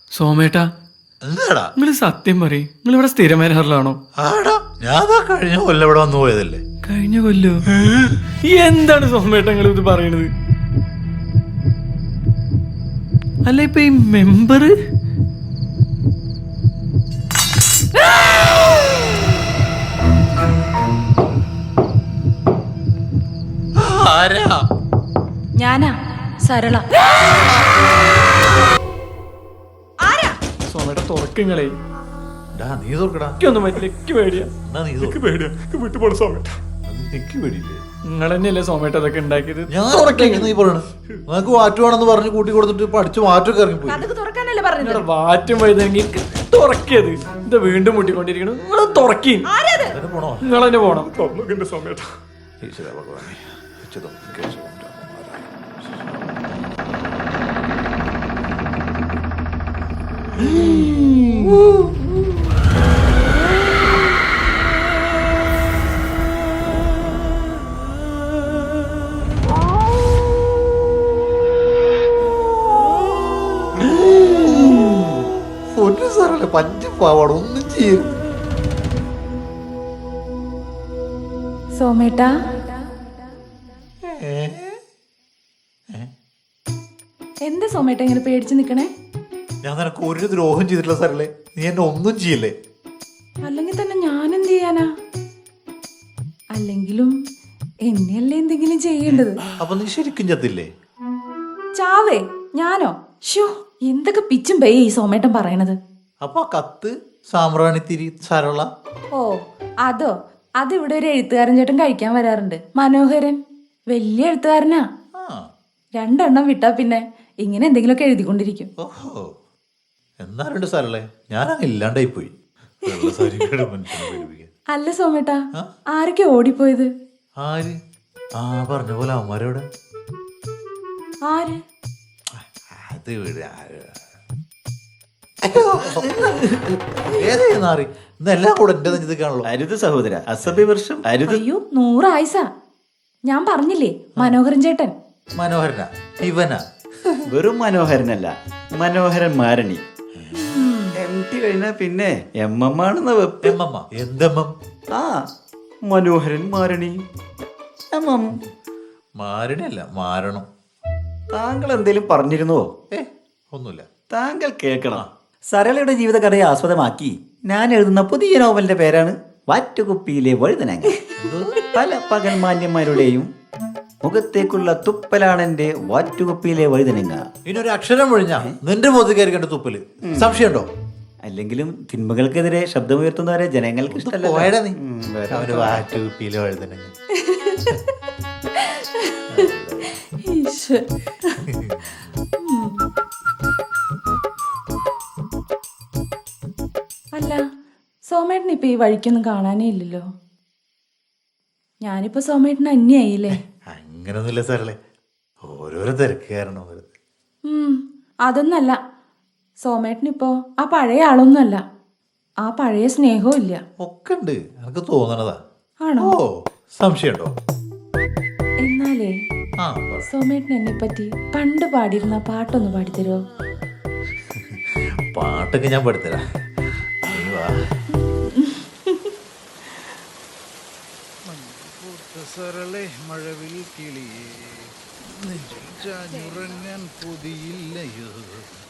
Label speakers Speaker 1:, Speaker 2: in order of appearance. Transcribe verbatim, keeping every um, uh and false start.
Speaker 1: സോമേട്ടാ,
Speaker 2: എന്താടാ
Speaker 1: നിങ്ങള് സത്യം പറയും, നിങ്ങൾ ഇവിടെ സ്ഥിരം വരാറിലാണോ?
Speaker 2: ആടാ ഞാൻ കഴിഞ്ഞ കൊല്ലം ഇവിടെ വന്നു പോയതല്ലേ.
Speaker 1: കഴിഞ്ഞ കൊല്ലോ? എന്താണ് സോമേട്ടാ നിങ്ങൾ ഇത് പറയണത്? അല്ല ഇപ്പൊ ഈ മെമ്പർ
Speaker 2: ആരാ?
Speaker 3: ഞാനാ സരള.
Speaker 1: സോമേട്ട തുറക്കങ്ങളെ
Speaker 2: നീ തുറക്കടാ.
Speaker 1: ഒന്നും പറ്റില്ല, പേടിയാ.
Speaker 2: എന്നാ നീ
Speaker 1: എനിക്ക് പേടിയാ, വിട്ടുപോണ സോമേട്ട.
Speaker 2: എനിക്ക് പേടിയില്ലേ?
Speaker 1: നിങ്ങൾ തന്നെയല്ലേ സോമേട്ട അതൊക്കെ ഉണ്ടാക്കിയത്?
Speaker 2: ഞാൻ നീ പറയണ നിനക്ക് വാറ്റുവാണെന്ന് പറഞ്ഞ് കൂട്ടി കൊടുത്തിട്ട് പഠിച്ച് വാറ്റൊക്കെ ഇറങ്ങിപ്പോയി.
Speaker 3: തുറക്കാനല്ലേ പറഞ്ഞത്?
Speaker 1: നിങ്ങളുടെ വാറ്റും വഴുതെങ്കിൽ തുറക്കിയത് ഇത് വീണ്ടും മുട്ടിക്കൊണ്ടിരിക്കണം. നിങ്ങൾ തുറക്കി
Speaker 2: പോണോ?
Speaker 1: നിങ്ങൾ തന്നെ പോണം. തുറന്നു സോമേട്ട.
Speaker 2: ഈശ്വര ഭഗവാനെ. പഞ്ചപാവാണ് ഒന്നും ചെയ്യും.
Speaker 3: സോമേട്ട എന്താ സോമേട്ട ഇങ്ങനെ പേടിച്ചു നിക്കണേ?
Speaker 2: ഞാൻ നിനക്ക് ഒരു ദ്രോഹം ചെയ്തിട്ടില്ല സാറല്ലേ. നീ എന്നെ ഒന്നും ചെയ്യില്ലേ.
Speaker 3: അല്ലെങ്കിൽ തന്നെ ഞാൻ എന്ത് ചെയ്യാനാ? അല്ലെങ്കിലും എന്നെയല്ലേ എന്തെങ്കിലും ചെയ്യേണ്ടത്.
Speaker 2: അപ്പൊ നീ ശരിക്കും ചത്തില്ലേ?
Speaker 3: ചാവേ ഞാനോ? ഷോ എന്തൊക്കെ പിച്ചും പേ ഈ സോമേട്ടൻ പറയണത്.
Speaker 2: അപ്പൊ കത്ത് സാമ്പ്രാണിത്തിരി സരള.
Speaker 3: ഓ അതോ? അതിവിടെ ഒരു എഴുത്തുകാരൻ ചേട്ടൻ കഴിക്കാൻ വരാറുണ്ട്, മനോഹരൻ. വലിയ എഴുത്തുകാരനാ. രണ്ടെണ്ണം വിട്ടാ പിന്നെ ഇങ്ങനെ എന്തെങ്കിലുമൊക്കെ എഴുതിക്കൊണ്ടിരിക്കും.
Speaker 2: ഓഹോ, എന്നാലുണ്ട് സരളെ, ഞാനങ്ങ് ഇല്ലാണ്ടായി പോയി.
Speaker 3: അല്ല സോമേട്ടാ, ആരൊക്കെ ഓടിപ്പോയത്?
Speaker 2: ആര്? ആ പറഞ്ഞ പോലെ അമ്മമാരോട്.
Speaker 3: ആര്?
Speaker 2: അത് വീട് ഏതാറി ഇന്നെല്ലാം കൂടെ എന്റെ നെഞ്ചിക്കാണല്ലോ.
Speaker 4: അരുത് സഹോദര, അസഭ്യവർഷം അരുത്.
Speaker 3: അയ്യോ നൂറായിസ. ഞാൻ പറഞ്ഞില്ലേ മനോഹരൻ ചേട്ടൻ.
Speaker 2: മനോഹരനാ? ഇവനാ?
Speaker 4: വെറും മനോഹരനല്ല, മനോഹരൻ മാരണി. എം ടി കഴിഞ്ഞാ പിന്നെ എം എം ആണെന്ന വെപ്പ്.
Speaker 2: എം എം എന്തെമ്മം?
Speaker 4: ആ മനോഹരൻ മാരണി എം എം.
Speaker 2: മാരണല്ല, മാരണം.
Speaker 4: താങ്കൾ എന്തേലും പറഞ്ഞിരുന്നോ?
Speaker 2: ഏ ഒന്നുമില്ല.
Speaker 4: താങ്കൾ കേൾക്കണം. സരളയുടെ ജീവിതകഥയെ ആസ്പദമാക്കി ഞാൻ എഴുതുന്ന പുതിയ നോവലിന്റെ പേരാണ് വാറ്റുകുപ്പിയിലെ വഴുതനങ്ങ. പല പകൽമാന്യന്മാരുടെയും മുഖത്തേക്കുള്ള തുപ്പലാണെന്റെ വാറ്റുകുപ്പിയിലെ വഴുതനങ്ങ.
Speaker 2: ഇനിയൊരു അക്ഷരം ഒഴിഞ്ഞാ നിന്റെ മുഖത്ത് കയറി കണ്ട തുപ്പല് സംശയമുണ്ടോ?
Speaker 4: അല്ലെങ്കിലും തിന്മകൾക്കെതിരെ ശബ്ദമുയർത്തുന്നവരെ ജനങ്ങൾക്ക് ഇഷ്ടമല്ല.
Speaker 2: വാറ്റുകുപ്പിയിലെ വഴുതനങ്ങ.
Speaker 3: അല്ല സോമേട്ടൻ ഇപ്പൊ ഈ വഴിക്കൊന്നും കാണാനേ ഇല്ലല്ലോ. ഞാനിപ്പോ സോമേട്ടന് അന്യായില്ലേ?
Speaker 2: അങ്ങനൊന്നുമില്ല സാറല്ലേ, ഓരോരോ തിരക്ക് കാരണം.
Speaker 3: ഉം അതൊന്നല്ല, സോമേട്ടനിപ്പോ ആ പഴയ ആളൊന്നുമല്ല. ആ പഴയ സ്നേഹവും ഇല്ല.
Speaker 2: ഒക്കെ ഉണ്ട്, എനിക്ക് തോന്നണതാ.
Speaker 3: ആണോ?
Speaker 2: ഓ സംശയമുണ്ടോ?
Speaker 3: എന്നാലേ
Speaker 2: ആ
Speaker 3: സോമേട്ടൻ എന്നെ പറ്റി പണ്ട് പാടിയിരുന്ന പാട്ടൊന്ന് പാടിത്തരുമോ?
Speaker 2: പാട്ടൊക്കെ ഞാൻ പാടിത്തരാം. നീ വാ.
Speaker 5: സരളെ മഴവിൽ കിളിയേ നെഞ്ചിൽ ചാഞ്ഞുറങ്ങാൻ പൊതിയില്ലയോ